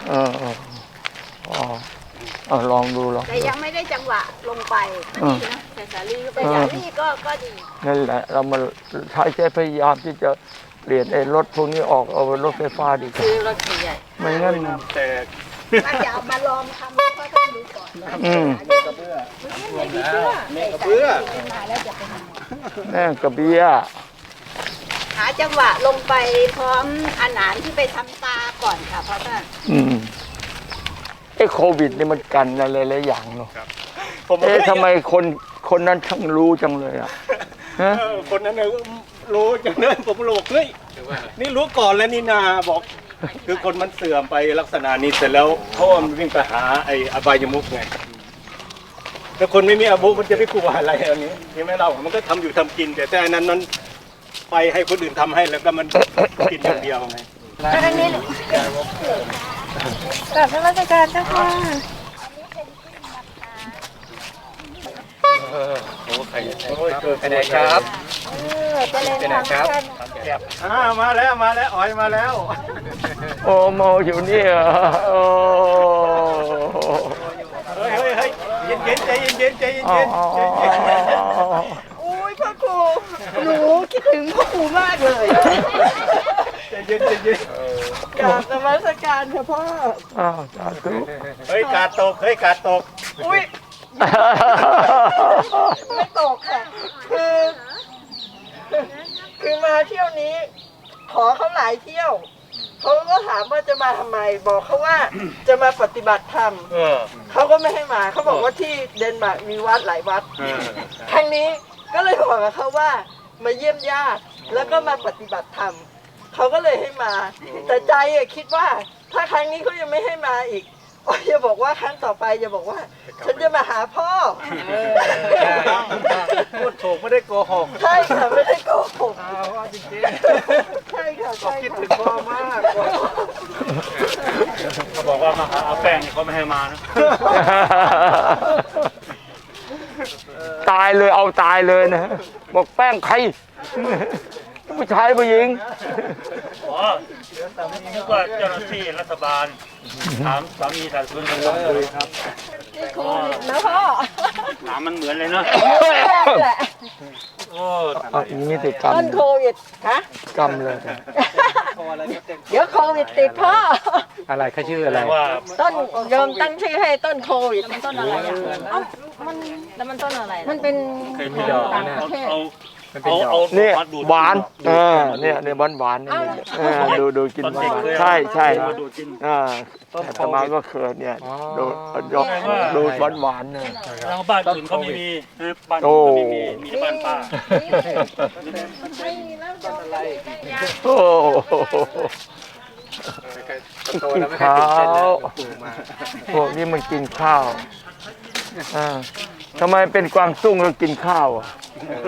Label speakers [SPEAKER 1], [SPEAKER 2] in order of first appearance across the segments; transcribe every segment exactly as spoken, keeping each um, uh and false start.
[SPEAKER 1] เออเอออ๋อเอาลองดูลองแต่
[SPEAKER 2] ยังไม่ได้จังหวะลงไปก็ดีนะแต่สาลีก็ไปสาลีก็ก็ดี
[SPEAKER 1] นั่นแหละเรามาใช้ใจพยายามที่จะเปลี่ยนไอ้รถพวกนี้ออกเอาเป็นรถไฟฟ้าดีกว่า
[SPEAKER 2] ซื้อรถใหญ่
[SPEAKER 1] ไม่งั้น
[SPEAKER 3] แต่
[SPEAKER 2] ถ้าจะเอามาลองทำก็ต้องดูก่อน
[SPEAKER 1] อืม
[SPEAKER 3] กระเบื้อ
[SPEAKER 2] แม่กระเบื้อมาแล้วจะเป็น
[SPEAKER 1] แม่กระเบี้ย
[SPEAKER 2] หาจังหวะลงไปพร้อมอาหารที่ไปทำตาก่อนค่ะเพราะว่า
[SPEAKER 1] อืมไอ้โควิดนี่มันกันอะไรหลายอย่างเนาะเอ๊ะทำไมคนคนนั้นช่างรู้จังเลยอ่ะฮะ
[SPEAKER 3] คนนั้นเนี่ยรู้จังเลยผมรู้เฮ้ยนี่รู้ก่อนแล้วนี่นาบอกคือคนมันเสื่อมไปลักษณะนี้เสร็จแล้วเขามันวิ่งไปหาไอ้อบายมุกไงแต่คนไม่มีอาบุมันจะไปกลัวอะไรอันนี้ใช่ไหมเรามันก็ทำอยู่ทำกินแต่แต่อันนั้นนั้นไปให้คนอื่นทำให้แล้วก็มันกินอย่างเดียวไง
[SPEAKER 2] อันนี้กลับราชการเจ้าค่ะ
[SPEAKER 3] โอ้ใครโอ้ยไปไหนครับ
[SPEAKER 2] ไปไหนครับ
[SPEAKER 3] อ่ามาแล้วมาแล้วอ๋อยมาแล้ว
[SPEAKER 1] โอ้เมาอยู่นี่อ่ะโอ้
[SPEAKER 3] เฮ้ยเฮ้ยเฮ้ยเย็นเย็นใจเย็นเย็นใจเย็นเย็น
[SPEAKER 2] โอ้ยพ่อครูหนูคิดถึงพ่อครูมากเลย
[SPEAKER 3] ใจเย็นใจเย็น
[SPEAKER 2] กราบนมัสการค่ะพ่อ
[SPEAKER 1] อ้าวสาธุ
[SPEAKER 3] เฮ้ยกาดตกเฮ้ยกาดตก
[SPEAKER 2] อุ้ยไม่ตกค่ะคือคือมาเที่ยวนี้ขอเขาหลายเที่ยวเขาก็ถามว่าจะมาทำไมบอกเขาว่าจะมาปฏิบัติธรรมเขาก็ไม่ให้มาเขาบอกว่าที่เดนมาร์กมีวัดหลายวัดครั้งนี้ก็เลยบอกกับเขาว่ามาเยี่ยมญาติแล้วก็มาปฏิบัติธรรมเขาก็เลยให้มาแต่ใจคิดว่าถ้าครั้งนี้เขายังไม่ให้มาอีกอย่าบอกว่าครั้งต่อไปอย่าบอกว่าฉันจะมาหาพ่อ
[SPEAKER 3] พูดถูกไม่ได้โกหก
[SPEAKER 2] ใช่ค่ะไม่ได้โกหก
[SPEAKER 3] ว่าจริง
[SPEAKER 2] ๆใช่ค่ะ
[SPEAKER 3] ใช่คิดถึงพ่อมากเขาบอกว่ามาหาเอาแป้งนี่เขาไม่ให้มานะ
[SPEAKER 1] ตายเลยเอาตายเลยนะบอกแป้งใครผู้ชายผู้หญิง
[SPEAKER 3] อ๋อนึกว่าเจ้าหน้าที่รัฐบาลถามสามีถามคุณกันเลยครับ
[SPEAKER 2] แล้วพ่อ
[SPEAKER 3] ถามมันเหมือนเลยเนาะโอ้
[SPEAKER 1] นี่ติดกรรม
[SPEAKER 2] ต้นโควิดฮะ
[SPEAKER 1] กรรมเลย
[SPEAKER 2] เดี๋ยวโควิดติดพ่อ
[SPEAKER 1] อะไรเขาชื่ออะไร
[SPEAKER 2] ต้นโยมตั้งชื่อให้ต้นโควิดมันต้นอะไรอ่ะเอ้ามันแล้วมันต้นอะไรมันเป็นต่างประเทศ
[SPEAKER 1] นี่หวานเออเนี่ยเนี่ยหวานหวานนี่ดูดูกินหวานใช่ใช่อ่าแต่ตมาก็เคยเนี่ยดูยกดูหวานหวานเนี่ย
[SPEAKER 3] ทางบ้านอื่นเขาไม่มีบ้านอื่นไม่มีมีบ้านป้า
[SPEAKER 1] โอ้กินข้าวพวกนี้มันกินข้าวอ่าทำไมเป็นกวางตุ้งแล้วกินข้าวอ่ะ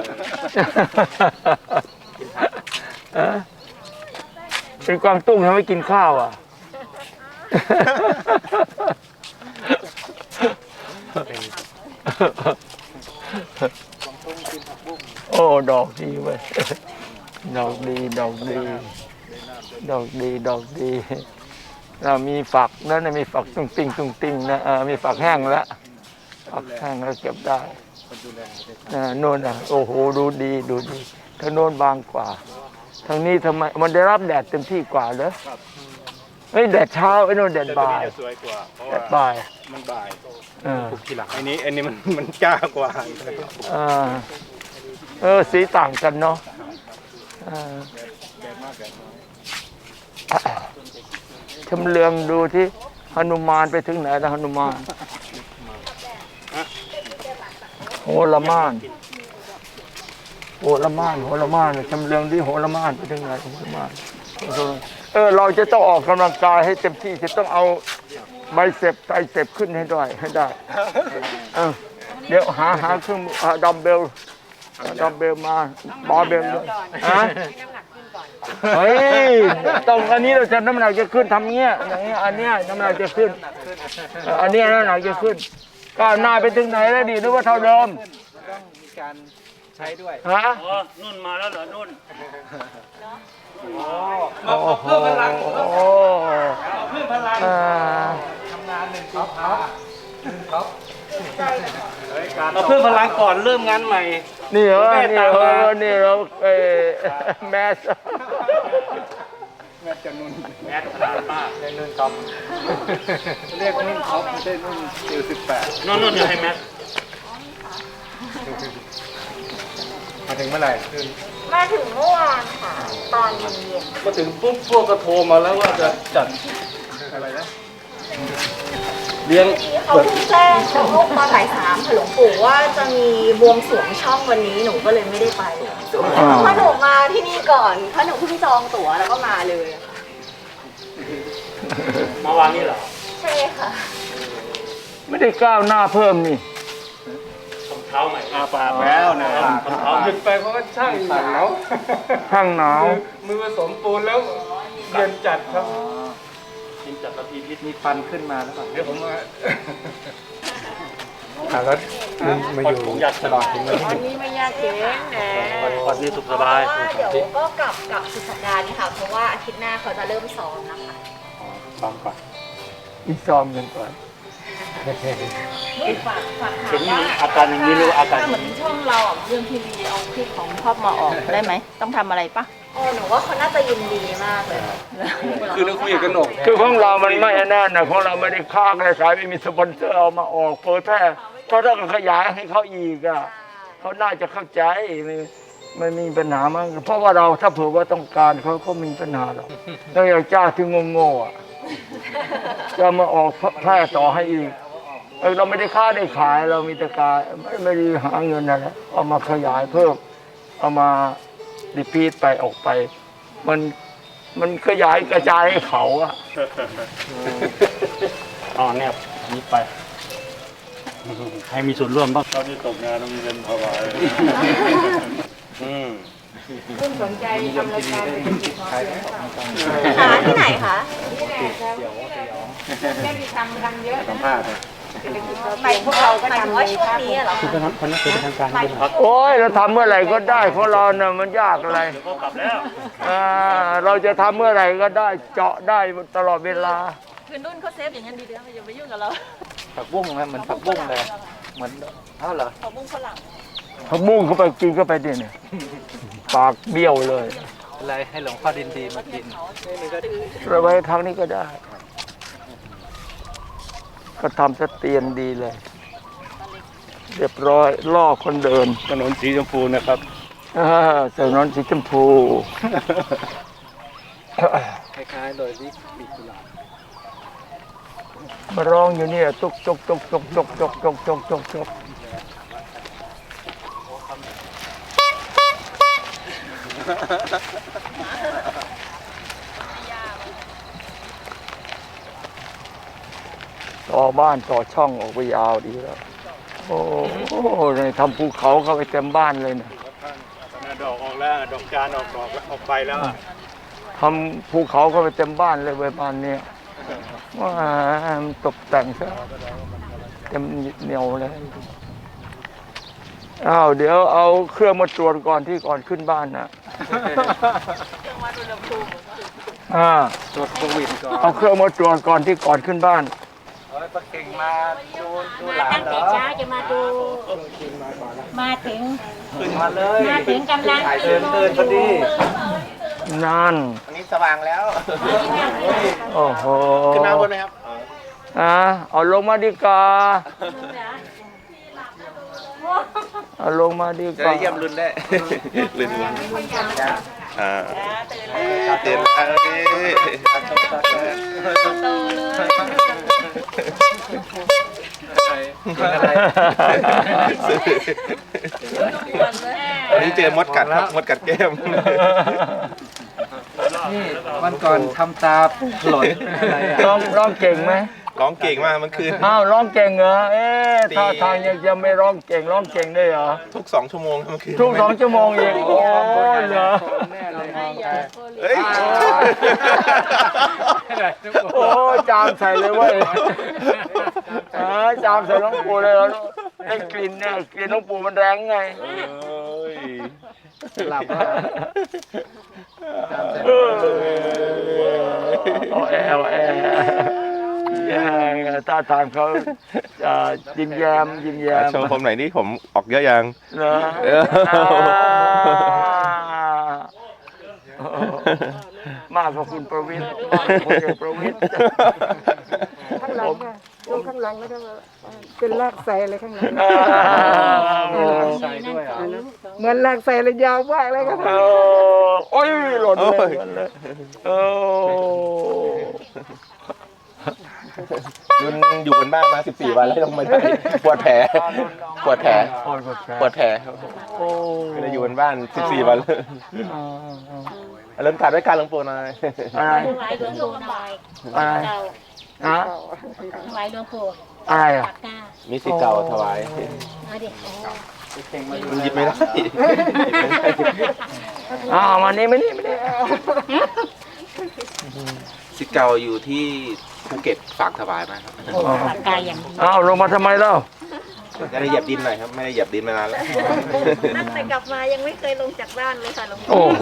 [SPEAKER 1] เป็นกวางตุ้งทำไมกินข้าวอ่ะโอ้ดอกดีเว้ยดอกดีดอกดีดอกดีดอกดีเรามีฝักนั่นมีฝักตุ้งติ้งตุ้งติ้งนะมีฝักแห้งแล้วฝักแห้งแล้วเก็บได้โน่นอ่ะโอ้โหดูดีดูดีทางโน้นบางกว่าทางนี้ทำไมมันได้รับแดดเต็มที่กว่าเหรอไอ้แดดเช้าไอ้โน่นแดดบ่ายแดดบ่าย
[SPEAKER 3] มันบ่าย
[SPEAKER 1] เออ
[SPEAKER 3] อันนี้อันนี้มันมันจ้ากว่า
[SPEAKER 1] เออเออสีต่างกันเนาะชำเลืองดูที่หนุมานไปถึงไหนแล้วหนุมานโหระมานโหระมานโหระมานชำเลืองที่โหระมานไปถึงไหนโหระมานเออเราจะต้องออกกำลังกายให้เต็มที่จะต้องเอาไบเซปไตรเซปขึ้นให้ได้ให้ได้เออเดี๋ยวหาหาเครื่องดัมเบลดัมเบลมาบาร์เบลด้วยฮะเฮ้ยตรงอันนี้เราจะน้ำหนักจะขึ้นทำเงี้ยอย่างเงี้ยอันเนี้ยน้ำหนักจะขึ้นอันเนี้ยน้ำหนักจะขึ้นก้าวหน้าไปถึงไหนแล้วดีหรือว่าเท่าเดิม
[SPEAKER 3] ต้องมีการใช้ด้วย
[SPEAKER 1] ฮะ
[SPEAKER 3] อ๋อนุ่นมาแล้วเหรอนุ่น
[SPEAKER 1] โอ้โหเพิ่มพลังเพิ่มพลัง
[SPEAKER 3] เราเพิ่มพลังก่อนเริ่มงานใหม่
[SPEAKER 1] นี่เหรอ
[SPEAKER 3] แม่
[SPEAKER 1] นี่
[SPEAKER 3] ตาม
[SPEAKER 1] เหร
[SPEAKER 3] มา
[SPEAKER 1] อนี่เราเออแมส
[SPEAKER 3] แม่จะนุ่นแม่ขนาดมากได้นุ่นครับเรียกนุ่นท็อปไม่ใช่นุ่นเอลสิบแปดนุ่นนุ่นจะให้แม่มาถึงเมื่อไหร่
[SPEAKER 4] มาถึงเมื่อวานค่ะ ตอนเย็น
[SPEAKER 3] มาถึงปุ๊บพวกก็โทรมาแล้วว่าจะจัดอะไรนะเลี้ยง
[SPEAKER 4] ๆเขาเพิ่งแจ้งเขาพบตอนบ่ายสามค่ะหลวงปู่ว่าจะมีบวงสรวงช่องวันนี้หนูก็เลยไม่ได้ไปเพราะหนูมาที่นี่ก่อนเพราะหนูเพิ่งจองตั๋วแล้วก็มาเลยค่ะ
[SPEAKER 3] มาวางนี่เหรอ
[SPEAKER 4] ใช่ค่ะ
[SPEAKER 1] ไม่ได้ก้าวหน้าเพิ่มนี่
[SPEAKER 3] เท้าใหม่อาปากแล้วนะเท้าขึ้นไปเพราะว่าช่างหนาว
[SPEAKER 1] ข้างหนาว
[SPEAKER 3] มือผสมปูนแล้วเย็นจัดครับเย็นจัดแล้วพีพิษมีฟันขึ้นมาแล้วเดี๋ยวผมมาแล้วมาอยู่ตลอดถึงวัน
[SPEAKER 4] วันนี้ไม่ยากเย็นนะ
[SPEAKER 3] วันนี้สุขสบาย
[SPEAKER 4] เพราะว่าเดี๋ยวก็กลับกลับสุดสัปดาห์นี้ค่ะ เพราะว่าอาทิตย์หน้าเขาจะเริ่มซ้อมนะคะ
[SPEAKER 3] ซ้อมก่อน
[SPEAKER 1] อีกซ้อมกันก่อน
[SPEAKER 4] ฝากฝากถา
[SPEAKER 3] เห็
[SPEAKER 4] ม
[SPEAKER 3] น
[SPEAKER 4] ว่า
[SPEAKER 3] อาการอย่างนี้หรืออาการ
[SPEAKER 4] ถ้าเหมือนช่องเราอ่ะเรื่องทีวีเอาคลิปของพ่อมาออกได้ไหมต้องทำอะไรปะอ๋อหนูว่าเขาน่าจะยินดีมากเลย
[SPEAKER 3] คือเราคุยกันหนก
[SPEAKER 1] คือของเรามันไม่แน่นนะของเราไม่ได้ค้างในสายไม่มีสปอนเซอร์เอามาออกเผยแพร่เพราะถ้าขยายให้เขาอีกอ่ะเขาน่าจะเข้าใจไม่ไม่มีปัญหามั้งเพราะว่าเราถ้าเผื่อว่าต้องการเขาก็มีปัญหาหรอกถ้าอยากจ้าที่โง่ๆอ่ะจะมาออกแพร่ต่อให้อีกเออเราไม่ได้ค้าได้ขายเรามีแต่การไม่ไม่ได้หาเงินอะไรเอามาขยายเพิ่มเอามารีพีทไปออกไป มันมันขยายกระจายให้เขาอะ
[SPEAKER 3] อ๋อแนบนี้ไป ให้มีส่วนร่วมบ้างตอนนี้ตกงานต้องมีเงินพอไหวอืม
[SPEAKER 4] คุณสนใจทำรายการเป็นจิตพอเพียงหาที่ไหนคะได้มีทำกันเยอะ
[SPEAKER 3] สัมภาษณ์
[SPEAKER 4] ไปพวกเราก็ทำว่าช่วงนี้เหรอ
[SPEAKER 3] คือเป็นคนนักเป็นทางการด้วยครับ
[SPEAKER 1] โอ้ยเราทำเมื่อไหร่ก็ได้ของเราเนี่ยมันยากอะไร
[SPEAKER 3] ก็กลับแล้ว
[SPEAKER 1] อ่าเราจะทำเมื่อไหร่ก็ได้เจาะได้ตลอดเวลา
[SPEAKER 4] คือนุ่นเขาเซฟอย่างนั้นดีเดียวอย่าไปยุ่งกับเรา
[SPEAKER 5] ผักบุ้งไหมเหมือนผักบุ้งเลยเหมือนเท่าเหรอ
[SPEAKER 4] เขาบุ้งฝรั่ง
[SPEAKER 1] ผักบุ้งเข้าไปกินเข้าไปดิเนี่ยปากเบี้ยวเลย
[SPEAKER 5] อะไรให้หลวงพ่อดินดีมากิน
[SPEAKER 1] เราไว้ทางนี้ก็ได้ ก็ทำสเตียนดีเลย เรียบร้อยล่อคนเดิน
[SPEAKER 3] ถนนสีชมพูนะครับ
[SPEAKER 1] อ่าถนนสีชมพู
[SPEAKER 5] คล้ายๆโดยที่ปีกุหลาบ
[SPEAKER 1] มาร้องอยู่เนี่ยจุกจุกจุกจุกจุกจุกจุกจุกจุกจุกต่อบ้านต่อช่องออกไปยาวดีแล้ว โอ้โหในทำภูเขาเข้าไปเต็มบ้านเลยนะ
[SPEAKER 3] ดอกออกแล้วดอกจานออกดอกออกไปแล้ว
[SPEAKER 1] ทำภูเขาเข้าไปเต็มบ้านเลยเว้ยบ้านเนี้ยว่ามันตกแต่งซะเต็มเหนียวเลยอ้าวเดี๋ยวเอาเครื่องมาตรวจก่อนที่ก่อนขึ้นบ้านนะอ่า
[SPEAKER 5] ตรวจโควิดก่อน
[SPEAKER 1] เอาเครื่องมาตรวจก่อนที่ก่อนขึ้นบ้าน
[SPEAKER 5] เฮ้ยปะเก่งมาดูดูหลาน
[SPEAKER 4] ตั้ง
[SPEAKER 5] เหร
[SPEAKER 4] แต่
[SPEAKER 5] อ
[SPEAKER 4] เช้าจะมาดู มาถึง
[SPEAKER 5] ขึ้นมาเลย
[SPEAKER 4] มาถึงกำลัง
[SPEAKER 5] เตือนเตือนพอดี
[SPEAKER 1] นั่น
[SPEAKER 5] อันนี้สว่างแล้ว
[SPEAKER 1] โอ้โห
[SPEAKER 5] ขึ้นมาบนไหมครับ
[SPEAKER 1] อ่าเอาลงมาดีกว่าเอาลงมาดีกว่า
[SPEAKER 6] เยี่ยมรุ่นได้ รุ่นอ่า
[SPEAKER 4] ตื่นเลย
[SPEAKER 6] เตือนแล้ว
[SPEAKER 4] โตเลย
[SPEAKER 5] อะไร
[SPEAKER 6] อันนี้เจอมดกัดครับ มดกัดแก้ม
[SPEAKER 5] นี่วันก่อนทำตาหล่นอะไรอ่ะ
[SPEAKER 1] ร้องร้องเก่งไหม
[SPEAKER 6] ร้องเก่งมากเมื่อคืน
[SPEAKER 1] อ้าวร้องเก่งเหรอ เอ๊ะ
[SPEAKER 6] ตี
[SPEAKER 1] ท่าทางยังจะไม่ร้องเก่งร้องเก่งได้เหรอ
[SPEAKER 6] ทุกสองชั่วโมงเมื่อคืน
[SPEAKER 1] ทุกสองชั่วโมงอีกโอ้ยเหรอ
[SPEAKER 5] แน่เลยมองไป
[SPEAKER 6] เฮ้ย
[SPEAKER 1] โอ้ยจามใส่เลยเว้ยเออจามใส่น้องปูเลยเหรอไอ้กลิ่นเนี่ยกลิ่นน้องปูมันแรงไง
[SPEAKER 6] เอ้ย
[SPEAKER 5] หลับว่า
[SPEAKER 1] เออเอาแอร์เอาแอร์เออท่าทางเขาจะยิ้มแย้มยิ้มแย้ม
[SPEAKER 6] ชมผมหน่อยนี่ผมออกเยอะยัง
[SPEAKER 1] เหรอ
[SPEAKER 6] เออ
[SPEAKER 1] มากกว่าคุณประวิตรมากกว่าคุณเอกประวิตร
[SPEAKER 7] ข้างหลังค่ะลงข้างหลังแล้วก็เป็นลากไซเลยข้างหลัง
[SPEAKER 5] ใส่ด้วยเหรอ
[SPEAKER 7] เหมือนลากไซเลยยาวมากเลยค่ะ
[SPEAKER 1] เออโอ้ยหล่นเลยหล่นเลยเออ
[SPEAKER 6] รุ่นอยู่บนบ้านมาสิบสี่วันแล้วลงมาได้ปวดแผลปวดแผล
[SPEAKER 1] โอ้ยปวดแผล
[SPEAKER 6] ปวดแผล
[SPEAKER 1] โอ้
[SPEAKER 6] ไม่ได้อยู่บนบ้านสิบสี่วันแล้วเริ่มขาดด้วยการหลวงปู่หน่อย
[SPEAKER 1] อะไร
[SPEAKER 8] ถวายหลวงปู่หน่อย
[SPEAKER 1] อะไร
[SPEAKER 8] เก่า
[SPEAKER 1] ฮะ
[SPEAKER 8] ถวายหลวงปู่
[SPEAKER 1] อะไรอ่ะ
[SPEAKER 8] ปากกา
[SPEAKER 6] มีสิทธิ์เก่าถวาย
[SPEAKER 8] เอาดิโอ้
[SPEAKER 6] มันหยิบไม่ได้
[SPEAKER 1] อ้าวมานี่มานี่มานี่
[SPEAKER 6] สิทธิ์เก่าอยู่ที่ภูเก็ตฝากถวายมาครับ
[SPEAKER 8] ปากกาอย่างดี
[SPEAKER 1] อ้าวลงมาทำไมเล่า
[SPEAKER 6] จะได้เหยียบดินหน่อยครับไม่ได้เหยียบดินมานานแล้ว
[SPEAKER 4] ตั้งแต่กลับมายังไม่เคยลงจากบ้านเลยค่ะหลวงปู่
[SPEAKER 1] โอ้โห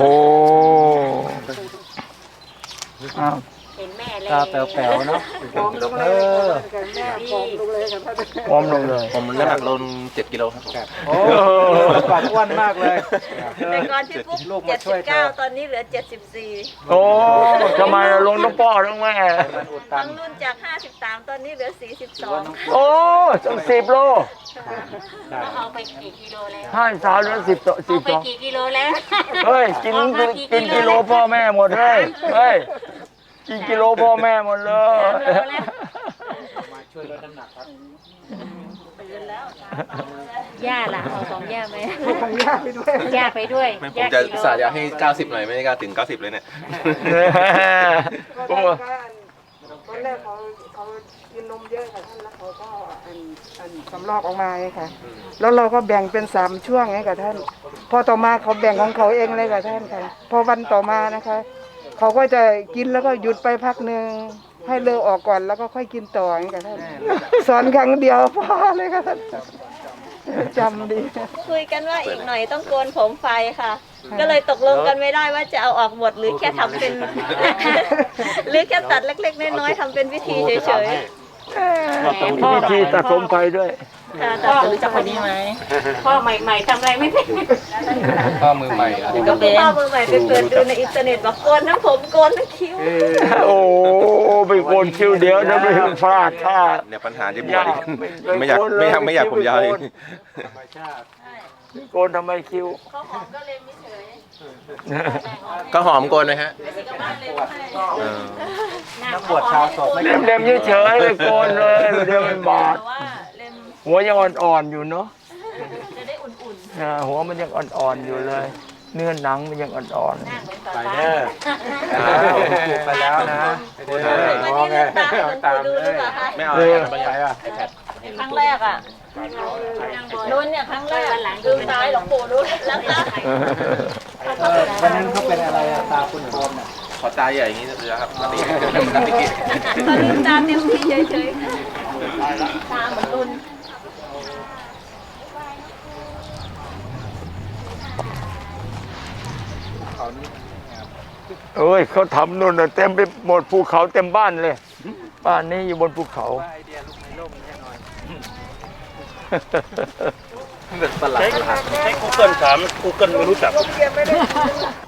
[SPEAKER 1] อ้าว
[SPEAKER 8] เห็นแม่เลย
[SPEAKER 5] ตาแป๋วๆเนาะ
[SPEAKER 7] พร้อมลงเลยค่ะแม่พร้อมลงเลยค่ะท่าน
[SPEAKER 1] พร้อมลงเลย
[SPEAKER 6] ผมน้ำหนักลงเจ็ดกิโลครับ
[SPEAKER 5] โอ้ปากอ้วนมากเลย
[SPEAKER 4] แต่ก่อนที่ปุ๊บ
[SPEAKER 5] ลูก
[SPEAKER 4] เจ็
[SPEAKER 5] มา
[SPEAKER 4] ด
[SPEAKER 5] ช่
[SPEAKER 4] สิ
[SPEAKER 5] วย
[SPEAKER 4] บ
[SPEAKER 5] เธ
[SPEAKER 4] เก้า
[SPEAKER 5] อ
[SPEAKER 4] ตอนนี้เหลือเจ็ดสิบสี่
[SPEAKER 1] โอ้ทำไมล่ะลงน้องพ่อทั้งแม่
[SPEAKER 5] มันอุดตั
[SPEAKER 4] ทั้
[SPEAKER 5] น
[SPEAKER 4] งรุ่นจากห้าสิบสามตอนนี้เหลือสี่สิบสอง
[SPEAKER 1] โอ้ต้องสิบโล
[SPEAKER 8] เขาเอาไปกี่กิโลแล้ว
[SPEAKER 1] ห้าสาวเหลือสิบต่อสิ
[SPEAKER 8] เอา
[SPEAKER 1] บ
[SPEAKER 8] ไป
[SPEAKER 1] สอง
[SPEAKER 8] กี่กิโลแล้ว
[SPEAKER 1] เฮ้ยกิน
[SPEAKER 8] เอามา
[SPEAKER 1] กินกิโลพ่อแม่หมดเลยเฮ้ยกินกิโลพ่อแม่หมดเลย
[SPEAKER 5] มาช่วยลดน้ำหนักครับ
[SPEAKER 8] ย่าล่ะเอาของย่าไหม
[SPEAKER 7] ของย่าไปด้วย
[SPEAKER 8] ย่าไปด้วย
[SPEAKER 6] ไม่ผม
[SPEAKER 8] ย่า
[SPEAKER 6] จะ
[SPEAKER 8] กิโล
[SPEAKER 6] สาอยากให้เก้าสิบหน่อยไม่ได้กล้าถึงเก้าสิบเลยเนี่ย
[SPEAKER 7] ก็
[SPEAKER 1] โอ้
[SPEAKER 7] ท่านก็อันตอนแรกเขาเขากินนมเยอะค่ะท่านแล้วเขาก็อันอันสำลอกออกมาไงค่ะ แล้วเราก็แบ่งเป็นสามช่วงไงค่ะท่าน พอต่อมาเขาแบ่งของเขาเองเลยค่ะท่านค่ะ พอวันต่อมานะคะ เขาก็จะกินแล้วก็หยุดไปพักหนึ่งให้เลอะออกก่อนแล้วก็ค่อยกินต่ออย่างนี้ค่ะท่าน สอนครั้งเดียวพอเลยค่ะท่านจำดี
[SPEAKER 4] คุยกันว่าอีกหน่อยต้องโกนผมไฟค่ะ ก็เลยตกลงกันไม่ได้ว่าจะเอาออกหมดหรือแค่ทำเป็น หรือแค่ตัดเล็กๆน้อยๆทำเป็นวิธีเฉย
[SPEAKER 1] มีวิธีตัดผมไฟด้วย
[SPEAKER 4] ๆค่ะตัดผมจากคนนี้ไหม
[SPEAKER 8] พ่อใหม่ๆทำอะไรไม่เป็น
[SPEAKER 5] พ่อมือใหม่อ่ะ
[SPEAKER 4] ก็คือพ่อมือใหม่ไปเปิดดูในอินเทอร์เน็ตบอกโกนทั้งผมโกนทั้งคิ้ว
[SPEAKER 1] โอ้ไปโกนคิ้วเดียวนะไม่พลาดท่า
[SPEAKER 6] เนี่ยปัญหาจะบวชอีกไม่อยากไม่อยากไม่อยากผมยาวอีก
[SPEAKER 5] ธรรมชาติ
[SPEAKER 1] โกนทำไมคิ้ว
[SPEAKER 4] เขาหอมก็เลยไม่เฉย
[SPEAKER 6] ก็หอมโกนไหมฮะ
[SPEAKER 4] ไม่ใช่กับบ้านเลยให้
[SPEAKER 6] เออ
[SPEAKER 5] นักบวชชาวศพไม่
[SPEAKER 1] เล็มๆเฉยๆเลยโกนเลยเดี๋ยวมันบาด
[SPEAKER 4] แต่ว่าเล่ม
[SPEAKER 1] หัวยังอ่อนๆอยู่เนาะ
[SPEAKER 4] จะได้อุ่น
[SPEAKER 1] อ่าหัวมันยังอ่อนๆอยู่เลย เนื้อหนังมันยังอ่อน
[SPEAKER 8] หน้าเหมือน
[SPEAKER 5] ไป
[SPEAKER 8] ป้า
[SPEAKER 5] เด้ออ้าวไปแล้วนะไปเด้อ
[SPEAKER 4] ๆวัน
[SPEAKER 5] มอง
[SPEAKER 4] นี้
[SPEAKER 5] ไง
[SPEAKER 4] ลืมตาให้หลวงปู่ดูหรือเปล่าคะ
[SPEAKER 6] ไม่เอา
[SPEAKER 1] ๆเลย
[SPEAKER 6] ไม่
[SPEAKER 5] ไป
[SPEAKER 6] เอา
[SPEAKER 5] อ่ะ
[SPEAKER 4] ครั้งแรกอ่ะนุ่นเนี่ยครั้งแรกลืมตาให้หลวงปู่ดูแล้วตา
[SPEAKER 5] วันนั้นเขาเป็นอะไรอ่ะตาคุณโดนอ่ะ
[SPEAKER 6] ขอตาใหญ่อย่างนี้เลยครับปกติ
[SPEAKER 4] ตอนลืมตาเต็มที่เฉยๆตาเหมือนนุ่น
[SPEAKER 1] เอ้ยเขาทำนู่นน่ะเต็มไปหมดภูเขาเต็มบ้านเลย บ้านนี้อยู่บนภูเขา
[SPEAKER 5] ไอเดียลูกในร่มแน่นอน
[SPEAKER 6] เป็นประหลาด
[SPEAKER 3] ใช้ Google ถาม Google ไม่รู้จัก